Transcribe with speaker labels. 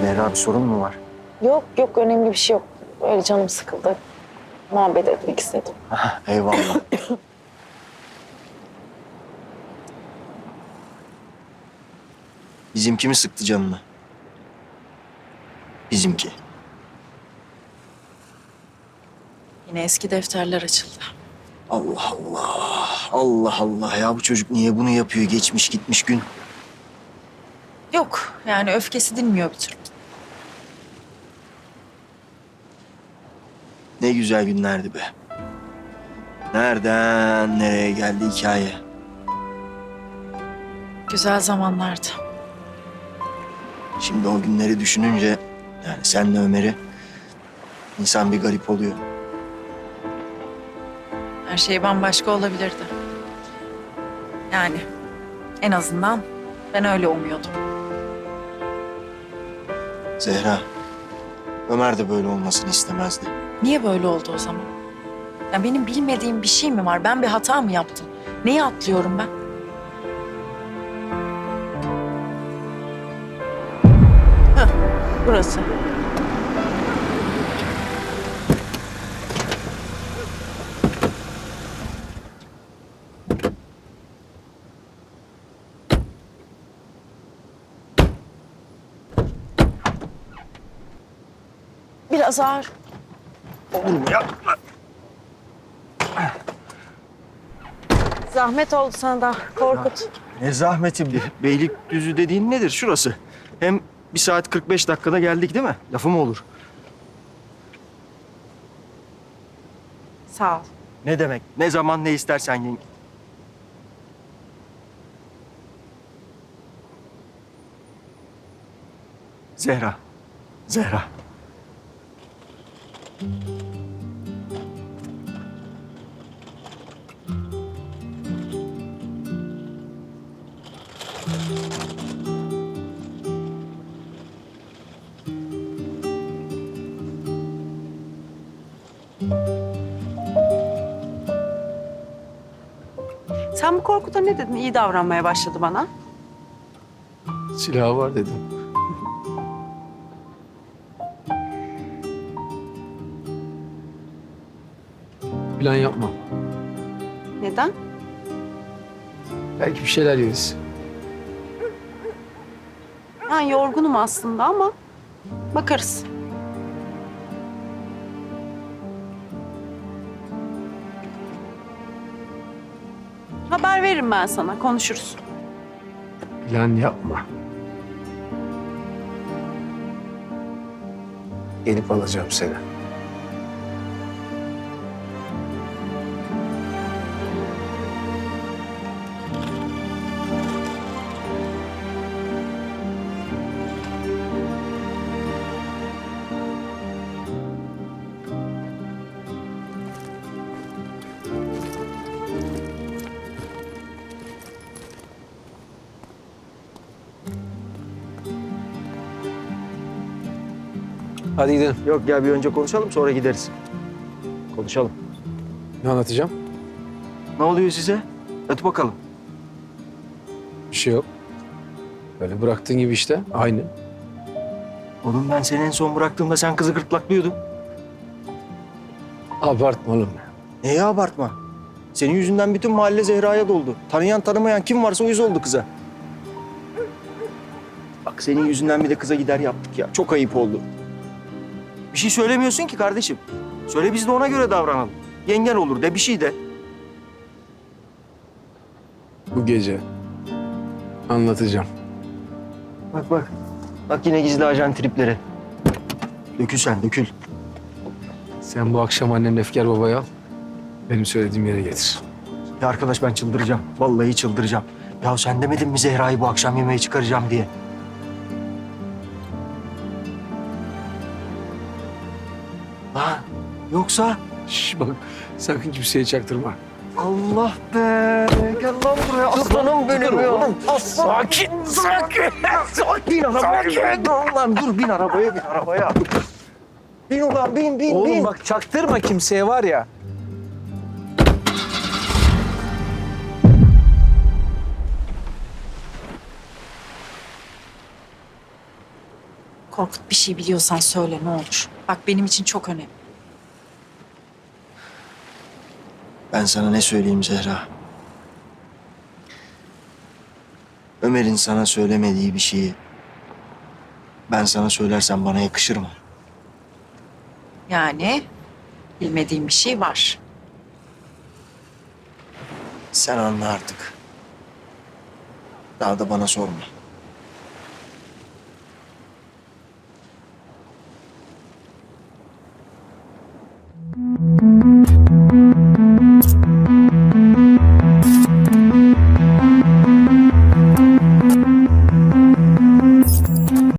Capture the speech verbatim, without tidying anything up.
Speaker 1: Zehra bir sorun mu var?
Speaker 2: Yok yok önemli bir şey yok. Öyle canım sıkıldı. Muhabbet etmek istedim.
Speaker 1: Eyvallah. Bizimki mi sıktı canını? Bizimki.
Speaker 2: Yine eski defterler açıldı.
Speaker 1: Allah Allah. Allah Allah ya bu çocuk niye bunu yapıyor? Geçmiş gitmiş gün.
Speaker 2: Yok yani öfkesi dinmiyor bir türlü.
Speaker 1: Ne güzel günlerdi be. Nereden nereye geldi hikaye?
Speaker 2: Güzel zamanlardı.
Speaker 1: Şimdi o günleri düşününce yani senle Ömer'i insan bir garip oluyor.
Speaker 2: Her şey bambaşka olabilirdi. Yani en azından ben öyle umuyordum.
Speaker 1: Zehra, Ömer de böyle olmasını istemezdi.
Speaker 2: Niye böyle oldu o zaman? Ya benim bilmediğim bir şey mi var? Ben bir hata mı yaptım? Neyi atlıyorum ben? Hah, burası. Biraz ağır.
Speaker 1: Olur mu ya?
Speaker 2: Zahmet oldu sana da Korkut.
Speaker 1: Ne zahmeti bir. Beylikdüzü dediğin nedir? Şurası. Hem bir saat kırk beş dakikada geldik değil mi? Lafı mı olur?
Speaker 2: Sağ ol.
Speaker 1: Ne demek? Ne zaman ne istersen yenge. Zehra. Zehra.
Speaker 3: Sen bu Korkut'a ne dedin? İyi davranmaya başladı bana.
Speaker 4: Silahı var dedim. Plan yapma.
Speaker 3: Neden?
Speaker 4: Belki bir şeyler yeriz.
Speaker 3: Ben yorgunum aslında ama bakarız. Haber veririm ben sana, konuşuruz.
Speaker 4: Plan yapma. Gelip alacağım seni. Hadi gidelim.
Speaker 1: Yok ya bir önce konuşalım sonra gideriz. Konuşalım.
Speaker 4: Ne anlatacağım?
Speaker 1: Ne oluyor size? Hadi bakalım.
Speaker 4: Bir şey yok. Böyle bıraktığın gibi işte. Aynı.
Speaker 1: Oğlum ben seni en son bıraktığımda sen kızı gırtlaklıyordun.
Speaker 4: Abartma oğlum.
Speaker 1: Neye abartma? Senin yüzünden bütün mahalle Zehra'ya doldu. Tanıyan tanımayan kim varsa uyuz oldu kıza. Bak senin yüzünden bir de kıza gider yaptık ya. Çok ayıp oldu. Bir şey söylemiyorsun ki kardeşim. Söyle biz de ona göre davranalım. Yengen olur de bir şey de.
Speaker 4: Bu gece anlatacağım.
Speaker 1: Bak bak. Bak yine gizli ajan tripleri. Dökül sen dökül.
Speaker 4: Sen bu akşam annenle Efkar babayı al. Benim söylediğim yere getir.
Speaker 1: Ya arkadaş ben çıldıracağım. Vallahi çıldıracağım. Ya sen demedin mi Zehra'yı bu akşam yemeğe çıkaracağım diye? Lan yoksa...
Speaker 4: Şş bak sakın kimseye çaktırma.
Speaker 1: Allah be! Gel lan buraya aslanım benim ya. Aslan.
Speaker 4: Sakin, sakin.
Speaker 1: Bin arabaya. Dur lan dur bin arabaya bin arabaya. Bin ulan bin bin
Speaker 4: Oğlum
Speaker 1: bin.
Speaker 4: bak çaktırma kimseye var ya.
Speaker 2: Korkut, bir şey biliyorsan söyle ne olur. Bak benim için çok önemli.
Speaker 1: Ben sana ne söyleyeyim Zehra? Ömer'in sana söylemediği bir şeyi ben sana söylersem bana yakışır mı?
Speaker 2: Yani bilmediğim bir şey var.
Speaker 1: Sen anla artık. Daha da bana sorma.